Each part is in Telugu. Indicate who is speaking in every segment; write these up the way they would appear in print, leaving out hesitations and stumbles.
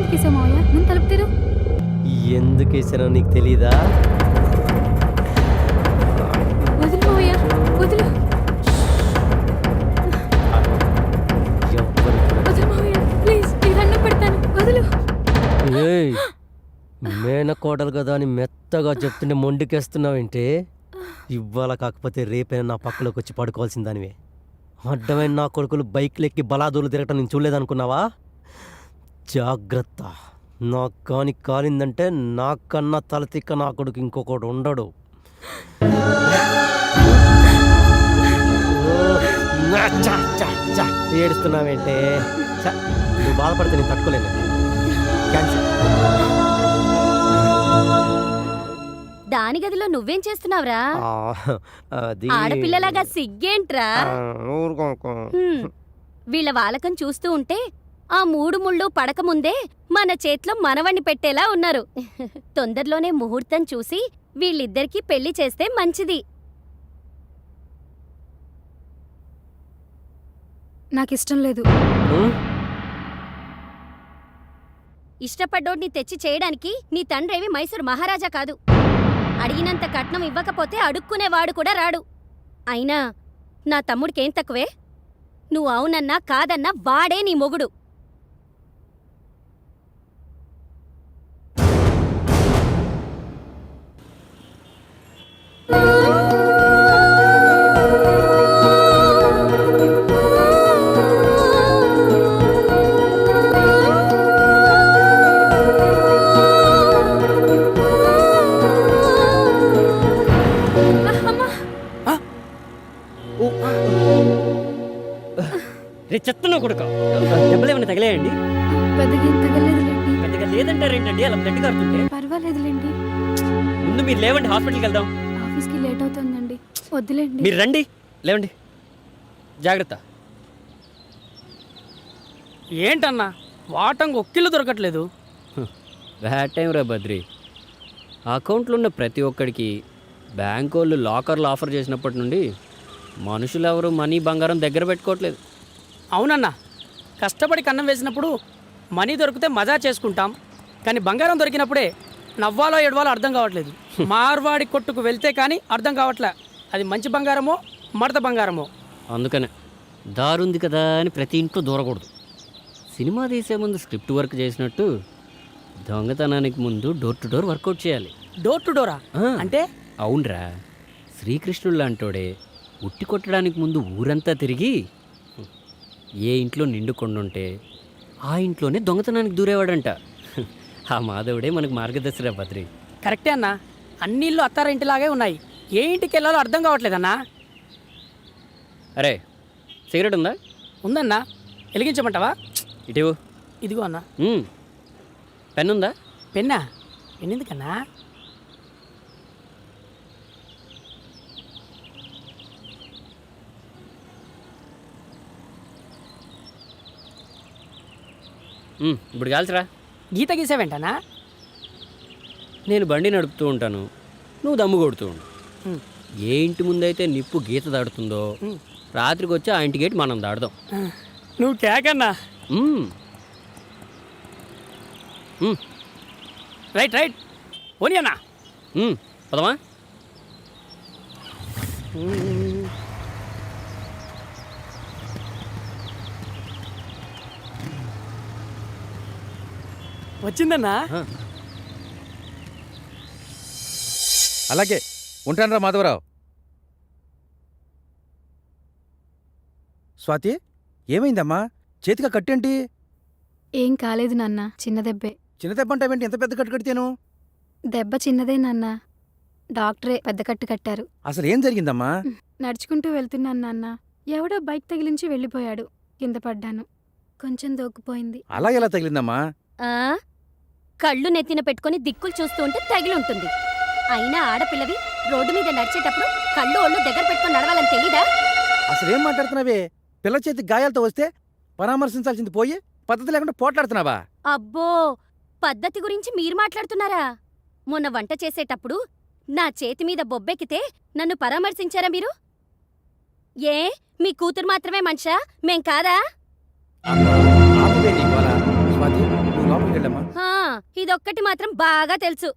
Speaker 1: ఎందుకేసావు మావయ్య? ముందు తలుపు తెరు.
Speaker 2: ఎందుకు వేసానో నీకు తెలీదా?
Speaker 1: వదులు మావయ్య, వదులు. వదులు మావయ్య, ప్లీజ్, నీ దండం పెడతాను, వదులు.
Speaker 2: ఏయ్, మేనకోడలు కదా అని మెత్తగా చెప్తుంటే మొండికేస్తున్నావేంటి? ఇవాళ కాకపోతే రేపైనా నా పక్కలోకి వచ్చి పడుకోవాల్సిన దానివే. అడ్డమైన నా కొడుకులు బైక్లెక్కి బలాదూలు తిరగటం నేను చూడలేదనుకున్నావా? జాగ్రత్త, నాకు కాని కాలిందంటే నాకన్నా తలతిక్క నా కొడుకు ఇంకొకడు ఉండడు. ఏడుస్తున్నావేంటే? నువ్వు బాధపడితే నేను తట్టుకోలేను. క్యాన్సిల్.
Speaker 3: దాని గదిలో నువ్వేం చేస్తున్నావురా?
Speaker 2: అది
Speaker 3: ఆడపిల్లలాగా సిగ్గేంట్రా? వీళ్ళ వాలకం చూస్తూ ఉంటే ఆ 3 ముళ్ళు పడక ముందే మన చేతిలో మనవణ్ణి పెట్టేలా ఉన్నారు. తొందరలోనే ముహూర్తం చూసి వీళ్ళిద్దరికీ పెళ్లి చేస్తే మంచిది.
Speaker 1: నాకిష్టం లేదు.
Speaker 3: ఇష్టపడ్డోడిని తెచ్చి చేయడానికి నీ తండ్రేవి మైసూరు మహారాజా కాదు. అడిగినంత కట్నం ఇవ్వకపోతే అడుక్కునేవాడు కూడా రాడు. అయినా నా తమ్ముడికేం తక్కువే? నువ్వు అవునన్నా కాదన్నా వాడే నీ మొగుడు.
Speaker 4: రే చెత్తను కొడుక, దెబ్బలు ఏమైనా తగిలేయండి?
Speaker 1: పెద్దగా ఏం తగలేదులేండి.
Speaker 4: పెద్దగా లేదంటారేంటండి అలా బ్లడ్ కారుతుంటే?
Speaker 1: పర్వాలేదులేండి.
Speaker 4: ముందు మీరు లేవండి, హాస్పిటల్కి వెళ్దాం.
Speaker 1: ఆఫీస్కి లేట్ అవుతుందండి, వద్దులేండి.
Speaker 4: మీరు రండి, లేవండి. జాగ్రత్త.
Speaker 5: ఏంటన్నా వాటంగా ఒక్కిళ్ళు దొరకట్లేదు?
Speaker 4: బ్యాడ్ టైం రా బద్రి. అకౌంట్లో ఉన్న ప్రతి ఒక్కడికి బ్యాంక్ వాళ్ళు లాకర్లు ఆఫర్ చేసినప్పటి నుండి మనుషులు ఎవరు మనీ బంగారం దగ్గర పెట్టుకోవట్లేదు.
Speaker 5: అవునన్నా, కష్టపడి కన్నం వేసినప్పుడు మనీ దొరికితే మజా చేసుకుంటాం, కానీ బంగారం దొరికినప్పుడే నవ్వాలో ఏడవాలో అర్థం కావట్లేదు. మార్వాడి కొట్టుకు వెళ్తే కానీ అర్థం కావట్లే అది మంచి బంగారమో మడత బంగారమో.
Speaker 4: అందుకనే దారుంది కదా అని ప్రతి ఇంట్లో దూరకూడదు. సినిమా తీసే ముందు స్క్రిప్ట్ వర్క్ చేసినట్టు దొంగతనానికి ముందు డోర్ టు డోర్ వర్కౌట్ చేయాలి.
Speaker 5: డోర్ టు డోరా అంటే?
Speaker 4: అవునరా, శ్రీకృష్ణుడు లాంటోడే ఉట్టి కొట్టడానికి ముందు ఊరంతా తిరిగి ఏ ఇంట్లో నిండు కొండుంటే ఆ ఇంట్లోనే దొంగతనానికి దూరేవాడంట. ఆ మాధవుడే మనకు మార్గదర్శిరా బద్రి.
Speaker 5: కరెక్టే అన్నా, అన్ని ఇల్లు అత్తారింటిలాగే ఉన్నాయి, ఏ ఇంటికి వెళ్ళాలో అర్థం కావట్లేదన్నా.
Speaker 4: అరే సిగరెట్ ఉందా?
Speaker 5: ఉందన్నా, వెలిగించమంటావా?
Speaker 4: ఇటీవు.
Speaker 5: ఇదిగో అన్నా.
Speaker 4: పెన్ ఉందా?
Speaker 5: పెన్నా? పెన్నెందుకన్నా?
Speaker 4: ఇప్పుడు కాల్చరా.
Speaker 5: గీత గీసావేంటనా?
Speaker 4: నేను బండి నడుపుతూ ఉంటాను, నువ్వు దమ్ము కొడుతూ ఉండు. ఏ ఇంటి ముందైతే నిప్పు గీత దాడుతుందో రాత్రికి వచ్చి ఆ ఇంటి గేట్ మనం దాడదాం.
Speaker 5: నువ్వు కేకన్నా. రైట్ రైట్ ఓని అన్నా.
Speaker 4: పదమా.
Speaker 5: వచ్చిందన్నా.
Speaker 6: అలాగే ఉంటానరా మాధవరావు. స్వాతి, ఏమైందమ్మా? చేతిగా కట్టేంటి?
Speaker 1: ఏం కాలేదు నాన్న, చిన్న దెబ్బే.
Speaker 6: చిన్న దెబ్బ అంటావేంటి? ఎంత పెద్ద కట్టు కడితేను?
Speaker 1: దెబ్బ చిన్నదే నాన్న, డాక్టరే పెద్ద కట్టు కట్టారు.
Speaker 6: అసలు ఏం జరిగిందమ్మా?
Speaker 1: నడుచుకుంటూ వెళ్తున్నాను నాన్న, ఎవడో బైక్ తగిలించి వెళ్ళిపోయాడు. కింద పడ్డాను, కొంచెం దోక్కుపోయింది.
Speaker 6: అలా ఎలా తగిలిందమ్మా?
Speaker 3: కళ్ళు నెత్తిన పెట్టుకుని దిక్కులు చూస్తూ ఉంటే తగిలుంటుంది. అయినా ఆడపిల్లవి రోడ్డు మీద నడిచేటప్పుడు కళ్ళు ఒళ్ళు దగ్గర పెట్టుకుని నడవాలని తెలీదా?
Speaker 6: అసలేం మాట్లాడుతున్నావే? పిల్ల చేతి గాయాలతో వస్తే పరామర్శించాల్సింది పోయి పద్ధతి లేకుండా పోట్లాడుతున్నావా?
Speaker 3: అబ్బో, పద్ధతి గురించి మీరు మాట్లాడుతున్నారా? మొన్న వంట చేసేటప్పుడు నా చేతి మీద బొబ్బెక్కితే నన్ను పరామర్శించారా మీరు? ఏ మీ కూతురు మాత్రమే మనిషా, మేం కాదా?
Speaker 6: స్వాతి, నువ్వు లోపలికి వెళ్ళమ్మా.
Speaker 3: ఇదొక్కటి మాత్రం బాగా తెలుసు.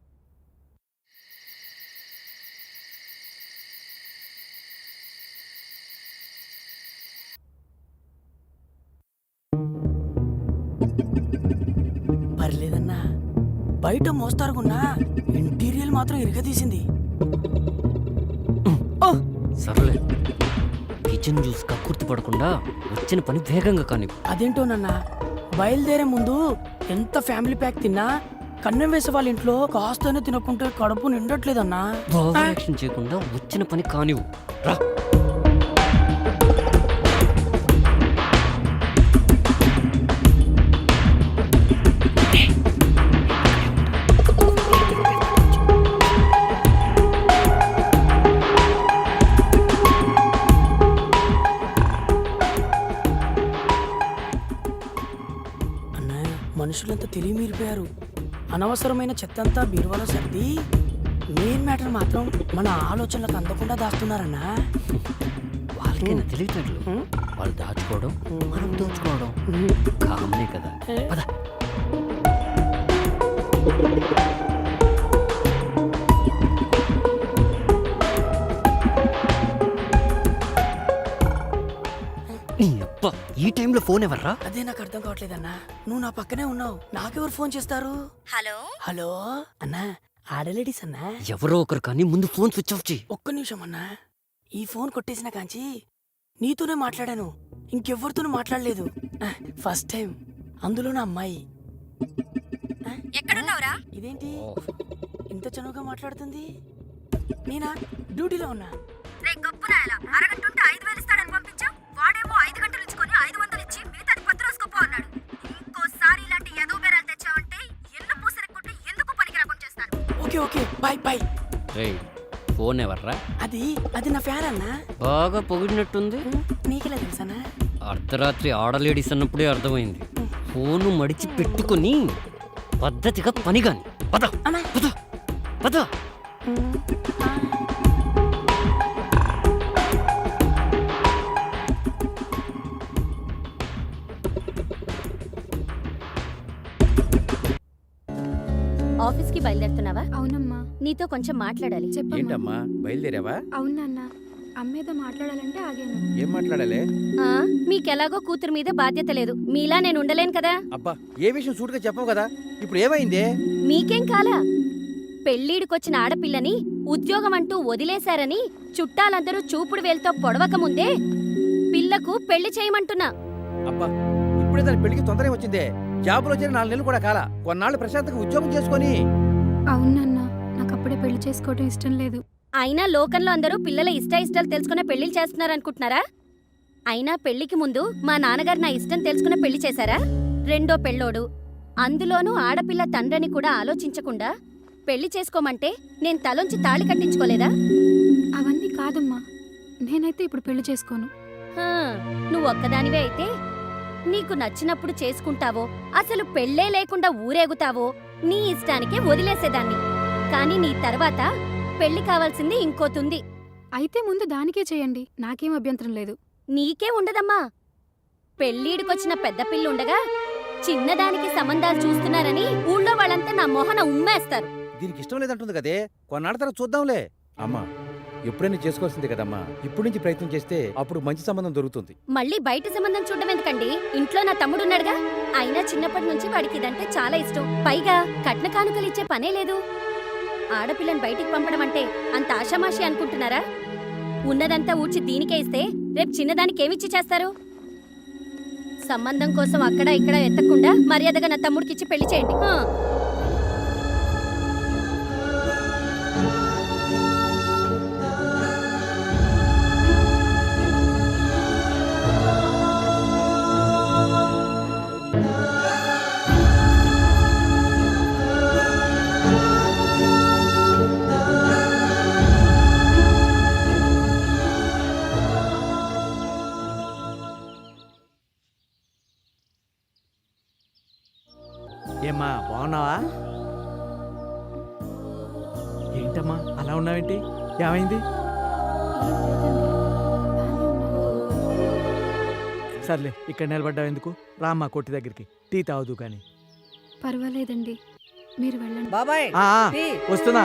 Speaker 5: పర్లేదన్నా, బయట మోస్తారుకున్నా ఇంటీరియల్ మాత్రం ఇరగదీసింది.
Speaker 4: సర్లే, కిచెన్ జ్యూస్ కక్కుర్తి పడకుండా వచ్చిన పని వేగంగా కాని.
Speaker 5: అదేంటోనన్నా, బయలుదేరే ముందు ఎంత ఫ్యామిలీ ప్యాక్ తిన్నా కన్నం వేసే వాళ్ళ ఇంట్లో కాస్తనే తినకుంటే కడుపు నిండట్లేదన్నా.
Speaker 4: ఓవర్ యాక్షన్ చేయకుండా వచ్చిన పని కానివు. రా.
Speaker 5: మనుషులంతా తెలివి మీరిపోయారు. అనవసరమైన చెత్తంతా బీరువాలో సర్ది మెయిన్ మ్యాటర్ మాత్రం మన ఆలోచనలకు అందకుండా దాస్తున్నారన్నా.
Speaker 4: వాళ్ళకైనా తెలియట్లేదు. వాళ్ళు దాచుకోవడం, మనం దోచుకోవడం కామనే కదా. పద. ఈ టైంలో ఫోన్ ఎవర్రా?
Speaker 5: అదే నాకు అర్థం కావట్లేదన్నా. నువ్వు నా పక్కనే ఉన్నావు, నాకెవరు ఫోన్ చేస్తారు?
Speaker 3: హలో
Speaker 5: హలో అన్నా, ఆడలేడీస్ అన్నా.
Speaker 4: ఎవరో ఒకరు కానీ ముందు ఫోన్ స్విచ్ ఆఫ్ చేయి.
Speaker 5: ఒక్క నిమిషం అన్నా, ఈ ఫోన్ కొట్టేసిన కాంచి నీతోనే మాట్లాడాను, ఇంకెవ్వరితోనూ మాట్లాడలేదు. ఫస్ట్ టైం, అందులో నా అమ్మాయి.
Speaker 3: ఎక్కడున్నావురా?
Speaker 5: ఇదేంటి ఇంత చనువుగా మాట్లాడుతుంది? నేనా డ్యూటీలో ఉన్నా.
Speaker 3: రే గొప్పనాయలా, అరగంటుంటే 5,000 ఇస్తాడని పంపించావు. వాడేమో 5 గంటలు ఇచ్చుకొని 500 ఇచ్చి మిగతాది 10 రోజుకోపో అన్నాడు. ఇంకోసారి ఇలాంటి ఎదో బేరాలు తెచ్చావంటే ఎల్లు పూసరెక్కుంటే ఎందుకు పనికి రాకుండా చేస్తాను.
Speaker 5: Okay okay, bye bye.
Speaker 4: Phone ఎవర్రా?
Speaker 5: అది నా ఫ్యాన్ అన్నా.
Speaker 4: బాగా పొగిడినట్టుంది.
Speaker 5: నీకెలా తెలుసన్నా?
Speaker 4: అర్ధరాత్రి ఆడలేడీస్ అన్నప్పుడే అర్థమైంది. ఫోను మడిచి పెట్టుకుని పద్ధతిగా పని కాని. పద
Speaker 5: అన్నా.
Speaker 4: పద పద.
Speaker 3: ఆఫీస్కి బయలుదేరుతున్నావా?
Speaker 1: అవునమ్మా.
Speaker 3: నీతో కొంచెం మాట్లాడాలి.
Speaker 1: చెప్పమ్మా.
Speaker 6: ఏంటమ్మా బయలుదేరావా?
Speaker 1: అవును నాన్న, అమ్మేదో మాట్లాడాలంటే ఆగాను.
Speaker 6: ఏం మాట్లాడాలి?
Speaker 3: మీకెలాగో కూతురు మీద బాధ్యత లేదు. మీలా నేను ఉండలేను కదా.
Speaker 6: అబ్బా, ఏ విషయం సూటుగా చెప్పవు కదా. ఇప్పుడు ఏమైంది?
Speaker 3: మీకేం కాలా? పెళ్ళీడికొచ్చిన ఆడపిల్లని ఉద్యోగం అంటూ వదిలేశారని చుట్టాలందరూ చూపుడు వేలుతో పొడవక ముందే పిల్లకు పెళ్లి చేయమంటున్నా.
Speaker 6: అబ్బా, ఇప్పుడే దాని పెళ్లికి తొందరగా వచ్చిందే. జాబులో చేరి 4 నెలలు కూడా కాలా. కొన్నాళ్ళు ప్రశాంతంగా ఉద్యోగం చేసుకొని.
Speaker 1: అవును నాన్న, నాకు అప్పుడే పెళ్లి చేసుకోవడం ఇష్టం లేదు.
Speaker 3: అయినా లోకంలో అందరూ పిల్లల ఇష్టాలు తెలుసుకునే పెళ్లిళ్ళు చేస్తున్నారనుకుంటున్నారా? అయినా పెళ్లికి ముందు మా నాన్నగారు నా ఇష్టం తెలుసుకునే పెళ్లి చేశారా? రెండో పెళ్ళోడు, అందులోనూ ఆడపిల్ల తండ్రిని కూడా ఆలోచించకుండా పెళ్లి చేసుకోమంటే నేను తలొంచి తాళి కట్టించుకోలేదా?
Speaker 1: అవన్నీ కాదమ్మా, నేనైతే ఇప్పుడు పెళ్లి చేసుకోను.
Speaker 3: నువ్వు ఒక్కదానివే అయితే నీకు నచ్చినప్పుడు చేసుకుంటావో, అసలు పెళ్ళే లేకుండా ఊరేగుతావో నీ ఇష్టానికే వదిలేసేదాన్ని. కాని నీ తర్వాత పెళ్లి కావాల్సింది ఇంకోతుంది.
Speaker 1: అయితే ముందు దానికే చేయండి, నాకేం అభ్యంతరం లేదు.
Speaker 3: నీకే ఉండదమ్మా. పెళ్ళీడికొచ్చిన పెద్ద పిల్లుండగా చిన్నదానికి సంబంధాలు చూస్తున్నారని ఊళ్ళో వాళ్ళంతా నా మొహన ఉమ్మేస్తారు.
Speaker 6: దీనికి ఇష్టం లేదంటుంది కదే. కొన్నాళ్ళ తర్వాత చూద్దాంలే. అమ్మా, ఎప్పుడైనా చేసుకోవాల్సిందే కదమ్మా. ఇప్పుడు నుంచి ప్రయత్నం చేస్తే అప్పుడు మంచి సంబంధం దొరుకుతుంది.
Speaker 3: మళ్ళీ బయట సంబంధం చూడడం ఎందుకండి? ఇంట్లో నా తమ్ముడున్నాడుగా. అయినా చిన్నప్పటి నుంచి వాడికి ఇదంటే చాలా ఇష్టం. పైగా కట్న కానుకలు ఇచ్చే పనే లేదు. ఆడపిల్లని బయటికి పంపడం అంటే అంత ఆషామాషి అనుకుంటున్నారా? ఉన్నదంతా ఊడ్చి దీనికే ఇస్తే రేపు చిన్నదానికి ఏమిచ్చి చేస్తారు? సంబంధం కోసం అక్కడ ఇక్కడ ఎత్తకుండా మర్యాదగా నా తమ్ముడికిచ్చి పెళ్లి చేయండి.
Speaker 7: ఏమ్మా, బాగున్నావా? ఏంటమ్మా అలా ఉన్నావేంటి? ఏమైంది? సర్లే, ఇక్కడ నిలబడ్డావు ఎందుకు? రామ్మా కొట్టి దగ్గరికి, టీ తాగుదు కానీ.
Speaker 1: పర్వాలేదండి, మీరు వెళ్ళండి.
Speaker 8: బాబాయ్
Speaker 7: ఆ, ఆ,
Speaker 8: టీ.
Speaker 7: వస్తున్నా.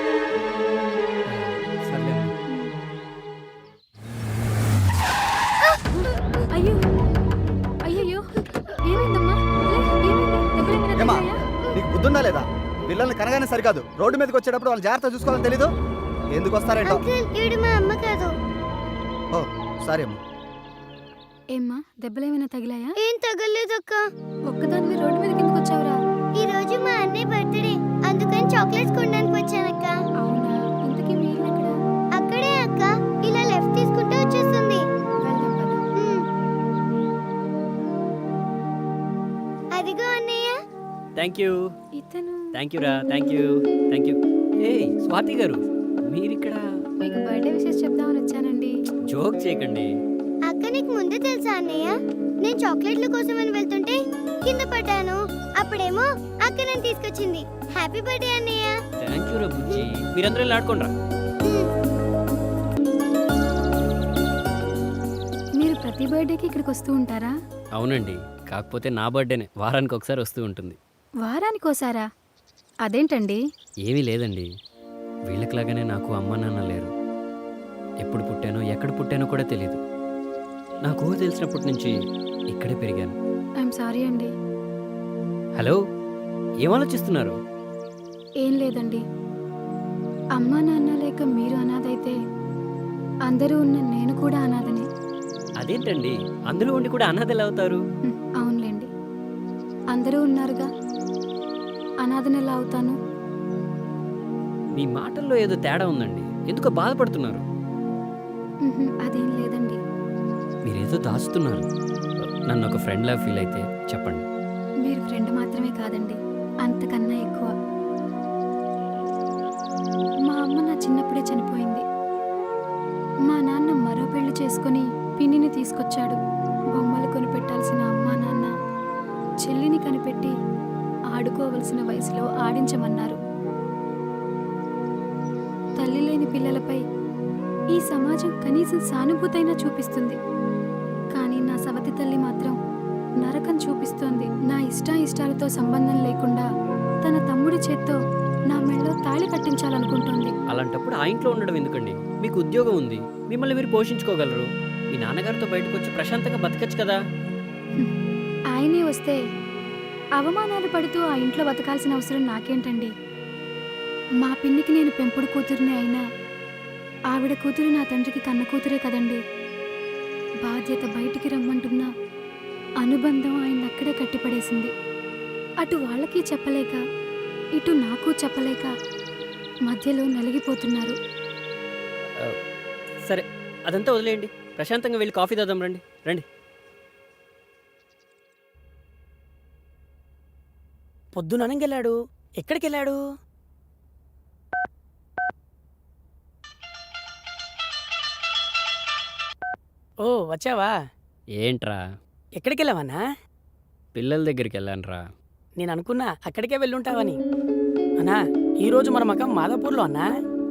Speaker 4: సర్లే
Speaker 1: అయ్యో అయ్యయ్యో ఏమైందమ్మా? ఏమైంది? దెబ్బలేమైనా
Speaker 9: ఏమ్మా?
Speaker 1: తగిలాయా?
Speaker 9: నీకు బుద్ధుందా లేదా? పిల్లల్ని కనగానే సరికాదు, రోడ్డు మీదకి వచ్చేటప్పుడు వాళ్ళు జాగ్రత్త చూసుకోవాలని తెలీదు. ఎందుకు వస్తారేంటో.
Speaker 3: మా అమ్మ కాదు.
Speaker 9: ఓ సారీ అమ్మా.
Speaker 1: ఏమ్మా దెబ్బలేమైనా తగిలాయా?
Speaker 3: ఏం తగలేదక్క.
Speaker 1: ఒక్కదానివి రోడ్డు మీద కిందకు వచ్చావురా?
Speaker 3: ఈ రోజు మా అన్నయ్య బర్త్డే, అందుకని చాక్లెట్స్ కొనడానికి వచ్చానక్క.
Speaker 1: అవునా? ఇంతకీ మీ ఇల్లు ఎక్కడ?
Speaker 3: అక్కడే అక్క, ఇలా లెఫ్ట్ తీసుకుంటే వచ్చేస్తుంది.
Speaker 1: వెళ్దాం పద.
Speaker 3: అదిగో అన్నయ్య.
Speaker 4: థ్యాంక్ యూ
Speaker 1: ఇతను
Speaker 4: థ్యాంక్ యూ రా, థ్యాంక్ యూ థ్యాంక్ యూ. ఏ స్వాతి గారు, మీరిక్కడ
Speaker 1: మీకు బర్త్డే విషెస్ చెప్దామని వచ్చానండి.
Speaker 4: జోక్ చేయకండి.
Speaker 3: అక్క నీకు ముందే తెలుసా అన్నయ్య? నేను చాక్లెట్ల కోసం అని వెళ్తుంటే కింద పడ్డాను. అప్పుడేమో అక్క నన్ను తీసుకొచ్చింది. హ్యాపీ బర్త్డే అన్నయ్య.
Speaker 4: థ్యాంక్ యూ రా బుజ్జి. మీరందరూ ఇలా ఆడుకోండి రా.
Speaker 1: మీరు ప్రతి బర్త్డేకి ఇక్కడికి వస్తూ ఉంటారా?
Speaker 4: అవునండి, కాకపోతే నా బర్త్డేనే వారానికి ఒకసారి వస్తూ ఉంటుంది.
Speaker 1: వారానికోసారా? అదేంటండి?
Speaker 4: ఏమీ లేదండి, వీళ్ళకిలాగానే నాకు అమ్మ నాన్న లేరు. ఎప్పుడు పుట్టానో ఎక్కడ పుట్టానో కూడా తెలీదు. నాకు ఊహ తెలిసినప్పటి నుంచి ఇక్కడే పెరిగాను.
Speaker 1: ఐఎమ్ సారీ అండి.
Speaker 4: హలో, ఏం ఆలోచిస్తున్నారు?
Speaker 1: ఏం లేదండి. అమ్మా నాన్న లేక మీరు అనాథైతే అందరూ ఉన్న నేను కూడా అనాథనే.
Speaker 4: అదేంటండి, అందరూ ఉండి కూడా అనాథలు అవుతారు?
Speaker 1: అవునులేండి, అందరూ ఉన్నారుగా, అనాథని ఎలా అవుతాను?
Speaker 4: మీ మాటల్లో ఏదో తేడా ఉందండి. ఎందుకో బాధపడుతున్నారు.
Speaker 1: అదేం లేదండి.
Speaker 4: మీరేదో దాచుతున్నారు. నన్ను ఒక ఫ్రెండ్లా ఫీల్ అయితే చెప్పండి.
Speaker 1: మీరు ఫ్రెండ్ మాత్రమే కాదండి, అంతకన్నా ఎక్కువ. మా అమ్మ నా చిన్నప్పుడే చనిపోయింది. మా నాన్న మరో పెళ్లి చేసుకుని పిన్నిని తీసుకొచ్చాడు. బొమ్మలు కొనిపెట్టాల్సిన అమ్మా నాన్న చెల్లిని కనిపెట్టి ఆడుకోవలసిన వయసులో ఆడించమన్నారు. తల్లి లేని పిల్లలపై ఈ సమాజం కనీసం సానుభూతైనా చూపిస్తుంది, కానీ నా సవతి తల్లి మాత్రం నరకం చూపిస్తోంది. నా ఇష్టాయిష్టాలతో సంబంధం లేకుండా తన తమ్ముడి చేత్తో నా మెళ్ళో తాళి కట్టించాలనుకుంటోంది.
Speaker 4: అలాంటప్పుడు ఆ ఇంట్లో ఉండడం ఎందుకండి? మీకు ఉద్యోగం ఉంది, మిమ్మల్ని మీరు పోషించుకోగలరు. మీ నాన్నగారితో బయటకు వచ్చి ప్రశాంతంగా బతకచ్చు కదా.
Speaker 1: ఆయనే వస్తే అవమానాలు పడుతూ ఆ ఇంట్లో బతకాల్సిన అవసరం నాకేంటండి? మా పిన్నికి నేను పెంపుడు కూతురిని అయినా ఆవిడ కూతురు నా తండ్రికి కన్న కూతురే కదండి. బాధ్యత బయటికి రమ్మంటున్నా అనుబంధం ఆయన అక్కడే కట్టిపడేసింది. అటు వాళ్ళకి చెప్పలేక ఇటు నాకు చెప్పలేక మధ్యలో నలిగిపోతున్నారు.
Speaker 4: సరే, అదంతా వదిలేయండి. ప్రశాంతంగా వెళ్ళి కాఫీ తాదాం రండి. రండి.
Speaker 5: పొద్దుననగెళ్ళాడు. ఎక్కడికి వెళ్ళాడు? ఓ వచ్చావా?
Speaker 4: ఏంట్రా?
Speaker 5: ఎక్కడికి వెళ్ళావన్నా?
Speaker 4: పిల్లల దగ్గరికి వెళ్ళానురా.
Speaker 5: నేను అనుకున్నా అక్కడికే వెళ్ళుంటావని. అన్నా, ఈరోజు మన మకం మాదాపూర్లో అన్నా.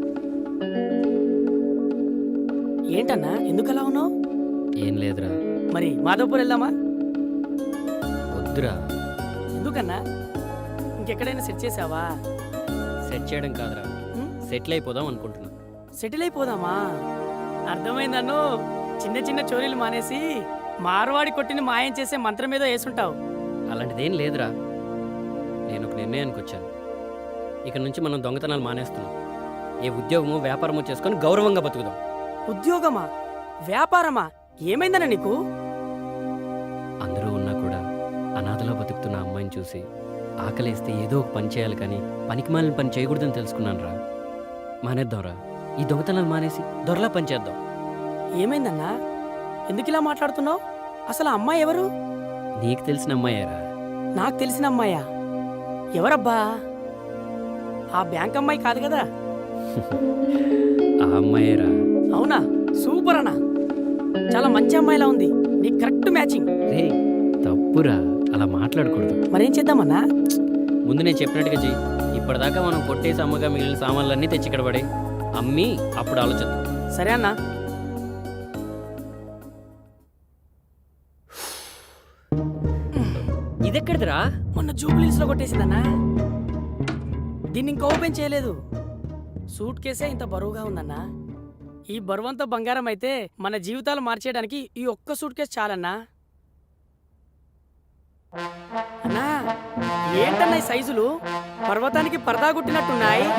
Speaker 5: ఏంటన్నా, ఎందుకు అలా ఉన్నావు?
Speaker 4: ఏం లేదురా.
Speaker 5: మరి మాదాపూర్ వెళ్దామా?
Speaker 4: వద్దురా.
Speaker 5: ఎందుకన్నా? ఇంకెక్కడైనా సెట్ చేసావా?
Speaker 4: సెట్ చేయడం కాదురా, సెటిల్ అయిపోదాం అనుకుంటున్నా.
Speaker 5: సెటిల్ అయిపోదామా? అర్థమైందన్ను. చిన్న చిన్న చోరీలు మానేసి మార్వాడి కొట్టిని మాయం చేసే మంత్రం ఏదో వేసుంటావు.
Speaker 4: అలాంటిదేం లేదురా. నేను ఒక నిర్ణయానికి వచ్చాను. ఇక నుంచి మనం దొంగతనాలు మానేస్తున్నాం. ఏ ఉద్యోగమో వ్యాపారమో చేసుకొని గౌరవంగా బతుకుదాం.
Speaker 5: ఉద్యోగమా? వ్యాపారమా? ఏమైందన్నా నీకు?
Speaker 4: అందరూ ఉన్నా కూడా అనాథలో బతుకుతున్న అమ్మాయిని చూసి ఆకలేస్తే ఏదో ఒక పని చేయాలి, కానీ పనికిమాలిన పని చేయకూడదని తెలుసుకున్నాను రా. మానేద్దాంరా. ఈ దొంగతనాలు మానేసి దొరలా పని చేద్దాం.
Speaker 5: ఏమైందన్నా? ఎందుకు ఇలా మాట్లాడుతున్నావు? అసలు ఆ అమ్మాయి ఎవరు?
Speaker 4: నీకు తెలిసిన అమ్మాయేరా.
Speaker 5: నాకు తెలిసిన అమ్మాయా? ఎవరబ్బా? ఆ బ్యాంక్ అమ్మాయి కాదు కదా?
Speaker 4: ఆ అమ్మాయేరా.
Speaker 5: అవునా? సూపర్ అన్నా, చాలా మంచి అమ్మాయిలా ఉంది. నీకు కరెక్ట్ మ్యాచింగ్.
Speaker 4: రే తప్పురా, అలా మాట్లాడకూడదు.
Speaker 5: మరేం చేద్దామన్నా?
Speaker 4: ముందు నేను చెప్పినట్టుగా చెయ్యి. ఇప్పటిదాకా మనం కొట్టేసి అమ్మగా మిగిలిన సామాన్లన్నీ తెచ్చి ఇక్కడ పడే అమ్మి అప్పుడు ఆలోచిద్దాం.
Speaker 5: సరే అన్నా.
Speaker 4: ఇదెక్కడిదిరా?
Speaker 5: మొన్న జూబ్లీస్ లో కొట్టేసిందన్నా. దీన్ని ఇంకా ఓపెన్ చేయలేదు. సూట్ కేసే ఇంత బరువుగా ఉందన్నా. ఈ బరువంతా బంగారం అయితే మన జీవితాలు మార్చేయడానికి ఈ ఒక్క సూట్ కేసు చాలన్నా. అన్నా ఏంటన్నా ఈ సైజులు పర్వతానికి పరదా గుట్టినట్టున్నాయి.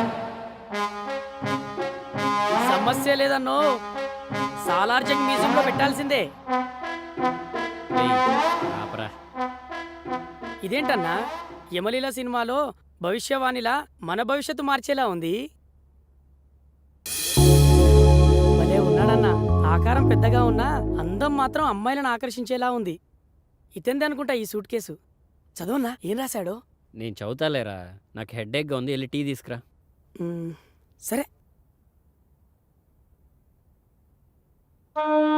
Speaker 5: సమస్య లేదన్నో, సాలార్జంగ్ మ్యూజియంలో పెట్టాల్సిందే.
Speaker 4: ఏయ్, ఆపరా.
Speaker 5: ఇదేంటన్నా యమలీల సినిమాలో భవిష్యవాణిలా మన భవిష్యత్తు మార్చేలా ఉంది. భలే ఉన్నాడన్నా. ఆకారం పెద్దగా ఉన్నా అందం మాత్రం అమ్మాయిలను ఆకర్షించేలా ఉంది. ఇతంది అనుకుంటా ఈ సూట్ కేసు. చదవన్నా ఏం రాశాడో.
Speaker 4: నేను చదువుతాలేరా, నాకు హెడ్ఏక్గా ఉంది, వెళ్ళి టీ తీసుకురా.
Speaker 5: సరే